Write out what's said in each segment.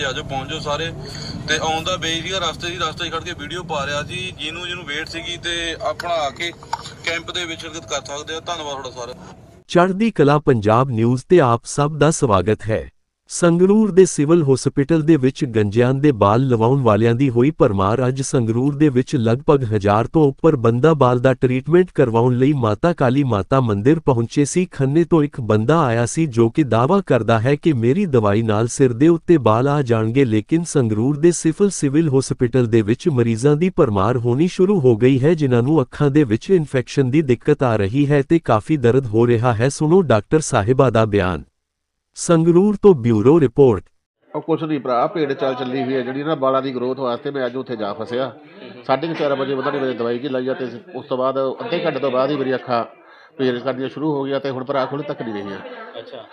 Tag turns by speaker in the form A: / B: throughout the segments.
A: ਵਜੇ ਆ ਜਾਓ, ਪਹੁੰਚ ਜਾਓ ਸਾਰੇ। ਤੇ ਆਉਂਦਾ ਬਈ ਸੀਗਾ ਰਸਤੇ 'ਚ ਖੜ ਕੇ ਵੀਡੀਓ ਪਾ ਰਿਹਾ ਸੀ। ਜਿਹਨੂੰ ਵੇਟ ਸੀਗੀ ਤੇ ਆਪਣਾ ਆ ਕੇ ਕੈਂਪ ਦੇ ਵਿੱਚ ਸ਼ਿਰਕਤ ਕਰ ਸਕਦੇ ਆ। ਧੰਨਵਾਦ ਤੁਹਾਡਾ ਸਾਰਾ।
B: ਚੜ੍ਹਦੀ ਕਲਾ ਪੰਜਾਬ ਨਿਊਜ਼ ਤੇ ਆਪ ਸਭ ਦਾ ਸਵਾਗਤ ਹੈ। ਸੰਗਰੂਰ ਦੇ ਸਿਵਲ ਹਸਪਤਾਲ ਦੇ ਵਿੱਚ ਗੰਜਿਆਂ ਦੇ ਬਾਲ ਲਵਾਉਣ ਵਾਲਿਆਂ ਦੀ ਹੋਈ ਭਰਮਾਰ। ਅੱਜ ਸੰਗਰੂਰ ਦੇ ਵਿੱਚ ਲਗਭਗ 1000 ਤੋਂ ਉੱਪਰ ਬੰਦਾ ਬਾਲ ਦਾ ਟ੍ਰੀਟਮੈਂਟ ਕਰਵਾਉਣ ਲਈ ਮਾਤਾ ਕਾਲੀ ਮਾਤਾ ਮੰਦਿਰ ਪਹੁੰਚੇ ਸੀ। ਖੰਨੇ ਤੋਂ ਇੱਕ ਬੰਦਾ ਆਇਆ ਸੀ ਜੋ ਕਿ ਦਾਅਵਾ ਕਰਦਾ ਹੈ ਕਿ ਮੇਰੀ ਦਵਾਈ ਨਾਲ ਸਿਰ ਦੇ ਉੱਤੇ ਬਾਲ ਆ ਜਾਣਗੇ, ਲੇਕਿਨ ਸੰਗਰੂਰ ਦੇ ਸਿਵਲ ਹਸਪਤਾਲ ਦੇ ਵਿੱਚ ਮਰੀਜ਼ਾਂ ਦੀ ਭਰਮਾਰ ਹੋਣੀ ਸ਼ੁਰੂ ਹੋ ਗਈ ਹੈ, ਜਿਨ੍ਹਾਂ ਨੂੰ ਅੱਖਾਂ ਦੇ ਵਿੱਚ ਇਨਫੈਕਸ਼ਨ ਦੀ ਦਿੱਕਤ ਆ ਰਹੀ ਹੈ ਤੇ ਕਾਫੀ ਦਰਦ ਹੋ ਰਿਹਾ ਹੈ। ਸੁਣੋ ਡਾਕਟਰ ਸਾਹਿਬਾ ਦਾ ਬਿਆਨ। ਸੰਗਰੂਰ ਤੋਂ ਬਿਊਰੋ ਰਿਪੋਰਟ।
C: ਕੁਛ ਨਹੀਂ ਭਰਾ, ਭੇਡ ਚਾਲ ਚੱਲੀ ਹੋਈ ਹੈ ਜਿਹੜੀ ਨਾ ਬਾਲਾਂ ਦੀ ਗਰੋਥ ਵਾਸਤੇ। ਮੈਂ ਅੱਜ ਉੱਥੇ ਜਾ ਫਸਿਆ 4:30 ਵਜੇ ਪਤਾ ਨਹੀਂ ਮੇਰੇ ਦਵਾਈ ਕੀ ਲਾਈ ਆ, ਤੇ ਉਸ ਤੋਂ ਬਾਅਦ ਅੱਧੇ ਘੰਟੇ ਤੋਂ ਬਾਅਦ ਹੀ ਮੇਰੀ ਅੱਖਾਂ ਪੇਲ ਕਰਨੀਆਂ ਸ਼ੁਰੂ ਹੋ ਗਈਆਂ ਤੇ ਹੁਣ ਭਰਾ ਖੁੱਲ੍ਹ ਤੱਕ ਨਹੀਂ ਰਹੀਆਂ।
D: ਅੱਛਾ,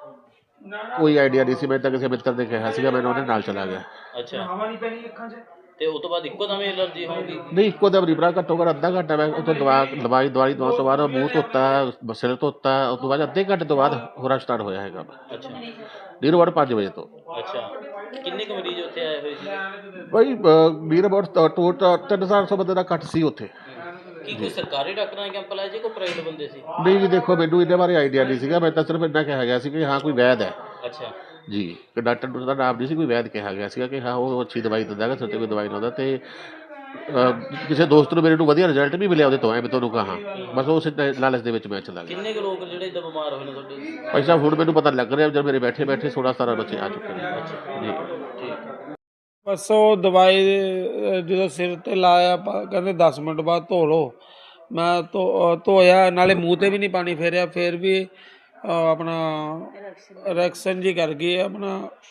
C: ਕੋਈ ਆਈਡੀਆ ਨਹੀਂ ਸੀ। ਮੈਂ ਤਾਂ ਕਿਸੇ ਮਿੱਤਰ ਨੇ ਕਿਹਾ ਸੀਗਾ, ਮੈਨੂੰ ਉਹਦੇ ਨਾਲ ਚਲਾ ਗਿਆ।
D: ਅੱਛਾ, ਹਵਾ ਨਹੀਂ ਪੈਣੀ ਅੱਖਾਂ 'ਚ ਤੇ ਉਸ ਤੋਂ ਬਾਅਦ ਇੱਕੋ ਦਮ ਐਲਰਜੀ ਹੋਊਗੀ?
C: ਨਹੀਂ, ਇੱਕੋ ਦਮ ਨਹੀਂ ਭਰਾ, ਘੱਟੋ ਘੱਟ ਅੱਧਾ ਘੰਟਾ ਮੈਂ ਉੱਥੇ ਦਵਾਈ ਦਵਾਉਣ ਤੋਂ ਬਾਅਦ ਮੂੰਹ ਧੋਤਾ, ਸਿਰ ਧੋਤਾ, ਉਸ ਤੋਂ ਬਾਅਦ ਅੱਧੇ ਘੰਟੇ ਤੋਂ ਬਾਅਦ ਹੋਰਾ ਸਟਾਰਟ ਹੋਇਆ ਹੈਗਾ।
D: ਅੱਛਾ,
C: ਨੀਰ 5 ਵਜੇ ਤੋਂ।
D: ਅੱਛਾ, ਕਿੰਨੇ ਕੁ ਮਰੀਜ਼ ਉੱਥੇ ਆਏ ਹੋਏ ਸੀ?
C: ਬਾਈ ਨੀਰ ਟੋਟਲ 300-400 ਬੰਦੇ ਦਾ ਇਕੱਠ ਸੀ ਉੱਥੇ।
D: ਕੀ ਕੋਈ ਸਰਕਾਰੀ ਡਾਕਟਰਾਂ ਦਾ ਕੈਂਪ ਲਾਇਆ ਜੀ, ਕੋਈ ਪ੍ਰਾਈਵੇਟ ਬੰਦੇ ਸੀ?
C: ਨਹੀਂ ਜੀ, ਦੇਖੋ ਮੈਨੂੰ ਇਹਦੇ ਬਾਰੇ ਆਈਡੀਆ ਨਹੀਂ ਸੀਗਾ। ਮੈਂ ਤਾਂ ਸਿਰਫ ਇੰਨਾ ਕਿਹਾ ਗਿਆ ਸੀ ਕਿ ਹਾਂ ਕੋਈ ਵੈਦ ਹੈ
D: ਅੱਛਾ
C: ਜੀ, ਕਿ ਡਾਕਟਰ ਦਾ ਨਾਮ ਨਹੀਂ ਸੀ, ਕੋਈ ਵੈਦ ਕਿਹਾ ਗਿਆ ਸੀਗਾ ਕਿ ਹਾਂ ਉਹ ਅੱਛੀ ਦਵਾਈ ਦਿੰਦਾ ਹੈਗਾ, ਸਿਰ 'ਤੇ ਕੋਈ ਦਵਾਈ ਲਾਉਂਦਾ। ਤੇ ਕਿਸੇ ਦੋਸਤ ਨੂੰ ਮੇਰੇ ਨੂੰ ਵਧੀਆ ਰਿਜ਼ਲਟ ਵੀ ਮਿਲਿਆ ਉਹਦੇ ਤੋਂ। ਮੈਂ ਤੁਹਾਨੂੰ ਕਹਾਂ ਬਸ ਉਸ ਲਾਲਚ ਦੇ ਵਿੱਚ ਮੈਂ ਚਲਾ ਗਿਆ।
D: ਕਿੰਨੇ ਕੁ ਲੋਕ ਜਿਹੜੇ ਇੱਦਾਂ ਬਿਮਾਰ ਹੋਏ ਨੇ ਤੁਹਾਡੇ?
C: ਭਾਈ ਸਾਹਿਬ ਹੁਣ ਮੈਨੂੰ ਪਤਾ ਲੱਗ ਰਿਹਾ ਜਦ ਮੇਰੇ ਬੈਠੇ 16-17 ਬੱਚੇ ਆ ਚੁੱਕੇ ਨੇ ਜੀ।
D: ਠੀਕ।
E: ਬਸ ਉਹ ਦਵਾਈ ਜਦੋਂ ਸਿਰ 'ਤੇ ਲਾਇਆ ਕਹਿੰਦੇ 10 ਮਿੰਟ ਬਾਅਦ ਧੋ ਲਓ। ਮੈਂ ਧੋਇਆ, ਨਾਲੇ ਮੂੰਹ 'ਤੇ ਵੀ ਨਹੀਂ ਪਾਣੀ ਫੇਰਿਆ, ਫਿਰ ਵੀ ਆਪਣਾ ਰਿਐਕਸ਼ਨ ਜੀ ਕਰ ਗਈ ਆਪਣਾ।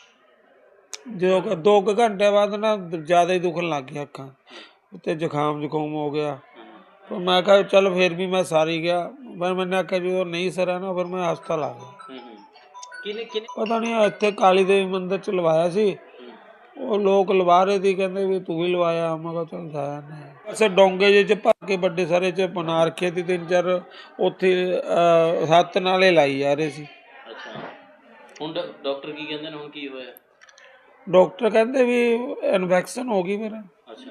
E: ਜਦੋਂ 2 ਘੰਟੇ ਬਾਅਦ ਨਾ ਜ਼ਿਆਦਾ ਹੀ ਦੁਖਣ ਲੱਗ ਗਿਆ ਅੱਖਾਂ ਅਤੇ ਜ਼ੁਕਾਮ ਹੋ ਗਿਆ। ਪਰ ਮੈਂ ਕਿਹਾ ਚੱਲ ਫਿਰ ਵੀ ਮੈਂ ਸਾਰੀ ਗਿਆ। ਪਰ ਮੈਨੇ ਆਖਿਆ ਜਦੋਂ ਨਹੀਂ ਸਰਿਆ ਨਾ ਫਿਰ ਮੈਂ ਹਸਪਤਾਲ ਆ ਗਿਆ। ਪਤਾ ਨਹੀਂ ਇੱਥੇ ਕਾਲੀ ਦੇਵੀ ਮੰਦਿਰ 'ਚ ਲਵਾਇਆ ਸੀ। ਉਹ ਲੋਕ ਲਵਾ ਰਹੇ ਸੀ, ਕਹਿੰਦੇ ਵੀ ਤੂੰ ਵੀ ਲਵਾਇਆ। ਮੈਂ ਕਿਹਾ ਚੱਲ ਜਾਇਆ ਨਹੀਂ। ਵੈਸੇ ਡੋਂਗੇ ਜਿਹੇ 'ਚ ਭਰ ਕੇ ਵੱਡੇ ਸਾਰੇ 'ਚ ਬਣਾ ਰੱਖੇ ਸੀ 3-4 ਉੱਥੇ 7 ਨਾਲੇ ਲਾਈ ਜਾ ਰਹੇ ਸੀ।
D: ਅੱਛਾ, ਹੁਣ ਡਾਕਟਰ ਕੀ ਕਹਿੰਦੇ ਨੇ? ਹੁਣ ਕੀ ਹੋਇਆ?
E: ਡਾਕਟਰ ਕਹਿੰਦੇ ਵੀ ਇਨਫੈਕਸ਼ਨ ਹੋ ਗਈ ਫਿਰ।
D: ਅੱਛਾ,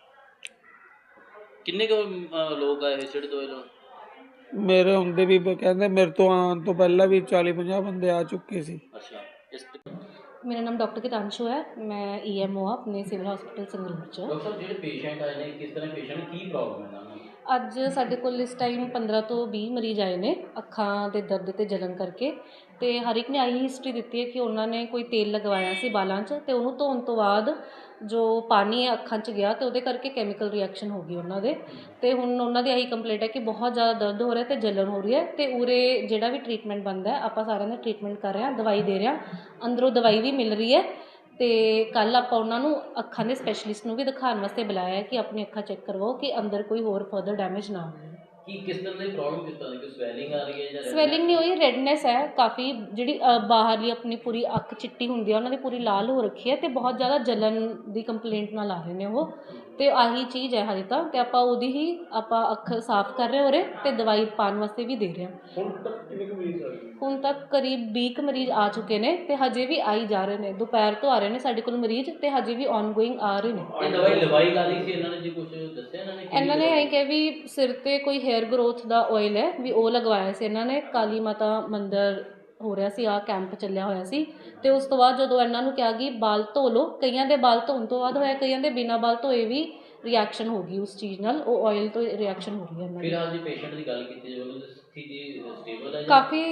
D: ਕਿੰਨੇ ਕੁ ਲੋਕ ਆਏ ਹੋਏ ਜਿਹੜੇ ਦੋਏ ਲੋਕ?
E: ਮੇਰੇ ਹੁੰਦੇ ਵੀ ਕਹਿੰਦੇ ਮੇਰੇ ਤੋਂ ਆਉਣ ਤੋਂ ਪਹਿਲਾਂ ਵੀ 40-50 ਬੰਦੇ ਆ ਚੁੱਕੇ ਸੀ।
D: ਅੱਛਾ,
F: मेरा नाम डॉक्टर कितांशु है। मैं EMO अपने सिविल हॉस्पिटल संगरूर च।
D: ਡਾਕਟਰ ਸਾਹਿਬ ਜਿਹੜੇ ਪੇਸ਼ੈਂਟ ਆਏ ਨੇ ਕਿਸ ਤਰ੍ਹਾਂ ਪੇਸ਼ੈਂਟ ਕੀ ਪ੍ਰੋਬਲਮ ਹੈ ਉਹਨਾਂ ਨੂੰ?
F: ਅੱਜ ਸਾਡੇ ਕੋਲ ਇਸ ਟਾਈਮ 15 ਤੋਂ 20 ਮਰੀਜ਼ ਆਏ ਨੇ ਅੱਖਾਂ ਦੇ ਦਰਦ ਤੇ ਜਲਨ ਕਰਕੇ। ਤੇ ਹਰ ਇੱਕ ਨੇ ਆਹੀ ਹਿਸਟਰੀ ਦਿੱਤੀ ਹੈ ਕਿ ਉਹਨਾਂ ਨੇ ਕੋਈ ਤੇਲ ਲਗਵਾਇਆ ਸੀ ਬਾਲਾਂ 'ਚ ਤੇ ਉਹਨੂੰ ਧੋਣ ਤੋਂ ਬਾਅਦ ਜੋ ਪਾਣੀ ਹੈ ਅੱਖਾਂ 'ਚ ਗਿਆ ਤੇ ਉਹਦੇ ਕਰਕੇ ਕੈਮੀਕਲ ਰਿਐਕਸ਼ਨ ਹੋ ਗਈ ਉਹਨਾਂ ਦੇ। ਤੇ ਹੁਣ ਉਹਨਾਂ ਦੀ ਆਹੀ ਕੰਪਲੇਂਟ ਹੈ ਕਿ ਬਹੁਤ ਜ਼ਿਆਦਾ ਦਰਦ ਹੋ ਰਿਹਾ ਤੇ ਜਲਨ ਹੋ ਰਹੀ ਹੈ। ਤੇ ਉਰੇ ਜਿਹੜਾ ਵੀ ਟ੍ਰੀਟਮੈਂਟ ਬਣਦਾ ਆਪਾਂ ਸਾਰਿਆਂ ਦਾ ਟ੍ਰੀਟਮੈਂਟ ਕਰ ਰਹੇ ਹਾਂ, ਦਵਾਈ ਦੇ ਰਹੇ ਹਾਂ, ਅੰਦਰੋਂ ਦਵਾਈ ਵੀ ਮਿਲ ਰਹੀ ਹੈ। ਤੇ ਕੱਲ੍ਹ ਆਪਾਂ ਉਹਨਾਂ ਨੂੰ ਅੱਖਾਂ ਦੇ ਸਪੈਸ਼ਲਿਸਟ ਨੂੰ ਵੀ ਦਿਖਾਉਣ ਵਾਸਤੇ ਬੁਲਾਇਆ ਹੈ ਕਿ ਆਪਣੀ ਅੱਖਾਂ ਚੈੱਕ ਕਰਵਾਓ ਕਿ ਅੰਦਰ ਕੋਈ ਹੋਰ ਫਰਦਰ ਡੈਮੇਜ ਨਾ ਹੋਵੇ।
D: ਕੀ ਕਿਸ ਤਰ੍ਹਾਂ ਦੀ ਪ੍ਰੋਬਲਮ, ਕਿਸ ਤਰ੍ਹਾਂ ਦੀ? ਕੋਈ ਸਵੈਲਿੰਗ ਆ ਰਹੀ ਹੈ ਜਾਂ
F: ਸਵੈਲਿੰਗ ਨਹੀਂ ਹੋਈ, ਰੈਡਨੈਸ ਹੈ ਕਾਫੀ। ਜਿਹੜੀ ਬਾਹਰਲੀ ਆਪਣੀ ਪੂਰੀ ਅੱਖ ਚਿੱਟੀ ਹੁੰਦੀ ਆ, ਉਹਨਾਂ ਦੀ ਪੂਰੀ ਲਾਲ ਹੋ ਰੱਖੀ ਹੈ ਤੇ ਬਹੁਤ ਜ਼ਿਆਦਾ ਜਲਨ ਦੀ ਕੰਪਲੇਂਟ ਨਾਲ ਆ ਰਹੇ ਨੇ ਉਹ। ਤੇ ਆਹੀ ਚੀਜ਼ ਹੈ ਹਜੇ ਤਾਂ। ਤੇ ਆਪਾਂ ਉਹਦੀ ਹੀ ਅੱਖ ਸਾਫ਼ ਕਰ ਰਹੇ ਹੋ ਰਹੇ ਤੇ ਦਵਾਈ ਪਾਉਣ ਵਾਸਤੇ ਵੀ ਦੇ ਰਹੇ ਹਾਂ। ਹੁਣ ਤੱਕ ਕਰੀਬ 20 ਕੁ ਮਰੀਜ਼ ਆ ਚੁੱਕੇ ਨੇ ਤੇ ਹਜੇ ਵੀ ਆਈ ਜਾ ਰਹੇ ਨੇ। ਦੁਪਹਿਰ ਤੋਂ ਆ ਰਹੇ ਨੇ ਸਾਡੇ ਕੋਲ ਮਰੀਜ਼ ਤੇ ਹਜੇ ਵੀ ਔਨਗੋਇੰਗ ਆ ਰਹੇ ਨੇ।
D: ਇਹ ਦਵਾਈ ਲਾ ਲਈ ਸੀ ਇਹਨਾਂ ਨੇ ਜੀ? ਕੁਝ ਦੱਸਿਆ
F: ਇਹਨਾਂ ਨੇ ਇਹ ਕਿਹਾ ਵੀ ਸਿਰ 'ਤੇ ਕੋਈ ਹੇਅਰ ਗਰੋਥ ਦਾ ਆਇਲ ਹੈ ਵੀ ਉਹ ਲਗਵਾਇਆ ਸੀ ਇਹਨਾਂ ਨੇ। ਕਾਲੀ ਮਾਤਾ ਮੰਦਿਰ ਹੋ ਰਿਹਾ ਸੀ, ਆਹ ਕੈਂਪ ਚੱਲਿਆ ਹੋਇਆ ਸੀ। ਤੇ ਉਸ ਤੋਂ ਬਾਅਦ ਜਦੋਂ ਇਹਨਾਂ ਨੂੰ ਕਿਹਾ ਕਿ ਬਾਲ ਧੋ ਲਓ, ਕਈਆਂ ਦੇ ਬਾਲ ਧੋਣ ਤੋਂ ਬਾਅਦ ਹੋਇਆ, ਕਈਆਂ ਦੇ ਬਿਨਾਂ ਬਾਲ ਧੋਏ ਵੀ ਰਿਐਕਸ਼ਨ ਹੋ ਗਈ ਉਸ ਚੀਜ਼ ਨਾਲ। ਉਹ ਆਇਲ ਤੋਂ ਰਿਐਕਸ਼ਨ ਹੋ ਰਹੀ ਹੈ ਇਹਨਾਂ ਦੀ।
D: ਫਿਲਹਾਲ ਜੀ ਪੇਸ਼ੈਂਟ ਦੀ ਗੱਲ ਕੀਤੀ ਜਾਵੇ ਤਾਂ ਸਥਿਤੀ ਸਟੇਬਲ ਹੈ?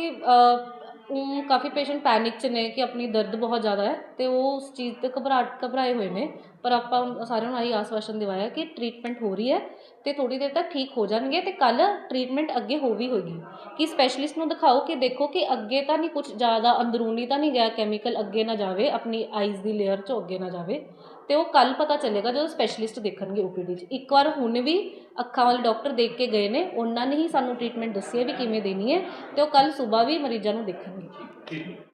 F: ਕਾਫੀ ਪੇਸ਼ੈਂਟ ਪੈਨਿਕ 'ਚ ਨੇ ਕਿ ਆਪਣੀ ਦਰਦ ਬਹੁਤ ਜ਼ਿਆਦਾ ਹੈ ਤੇ ਉਹ ਉਸ ਚੀਜ਼ 'ਤੇ ਘਬਰਾਏ ਹੋਏ ਨੇ। ਪਰ ਆਪਾਂ ਸਾਰਿਆਂ ਨੂੰ ਆਹੀ ਆਸ਼ਵਾਸਨ ਦਿਵਾਇਆ ਕਿ ਟ੍ਰੀਟਮੈਂਟ ਹੋ ਰਹੀ ਹੈ ਤੇ ਥੋੜ੍ਹੀ ਦੇਰ ਤੱਕ ਠੀਕ ਹੋ ਜਾਣਗੇ। ਤੇ ਕੱਲ੍ਹ ਟ੍ਰੀਟਮੈਂਟ ਅੱਗੇ ਹੋਵੇਗੀ ਕਿ ਸਪੈਸ਼ਲਿਸਟ ਨੂੰ ਦਿਖਾਓ ਕਿ ਦੇਖੋ ਕਿ ਅੱਗੇ ਤਾਂ ਨਹੀਂ ਕੁਛ ਜ਼ਿਆਦਾ ਅੰਦਰੂਨੀ ਤਾਂ ਨਹੀਂ ਗਿਆ ਕੈਮੀਕਲ, ਅੱਗੇ ਨਾ ਜਾਵੇ ਆਪਣੀ ਆਈਜ਼ ਦੀ ਲੇਅਰ 'ਚੋਂ ਅੱਗੇ ਨਾ ਜਾਵੇ। ਤੇ ਉਹ ਕੱਲ੍ਹ ਪਤਾ ਚੱਲੇਗਾ ਜਦੋਂ ਸਪੈਸ਼ਲਿਸਟ ਦੇਖਣਗੇ OPD 'ਚ। ਇੱਕ ਵਾਰ ਹੁਣ ਵੀ ਅੱਖਾਂ ਵਾਲੇ ਡਾਕਟਰ ਦੇਖ ਕੇ ਗਏ ਨੇ, ਉਹਨਾਂ ਨੇ ਹੀ ਸਾਨੂੰ ਟ੍ਰੀਟਮੈਂਟ ਦੱਸੀ ਹੈ ਵੀ ਕਿਵੇਂ ਦੇਣੀ ਹੈ। ਤੇ ਉਹ ਕੱਲ੍ਹ ਸੁਬਾਹ ਵੀ ਮਰੀਜ਼ਾਂ ਨੂੰ ਦੇਖਣਗੇ।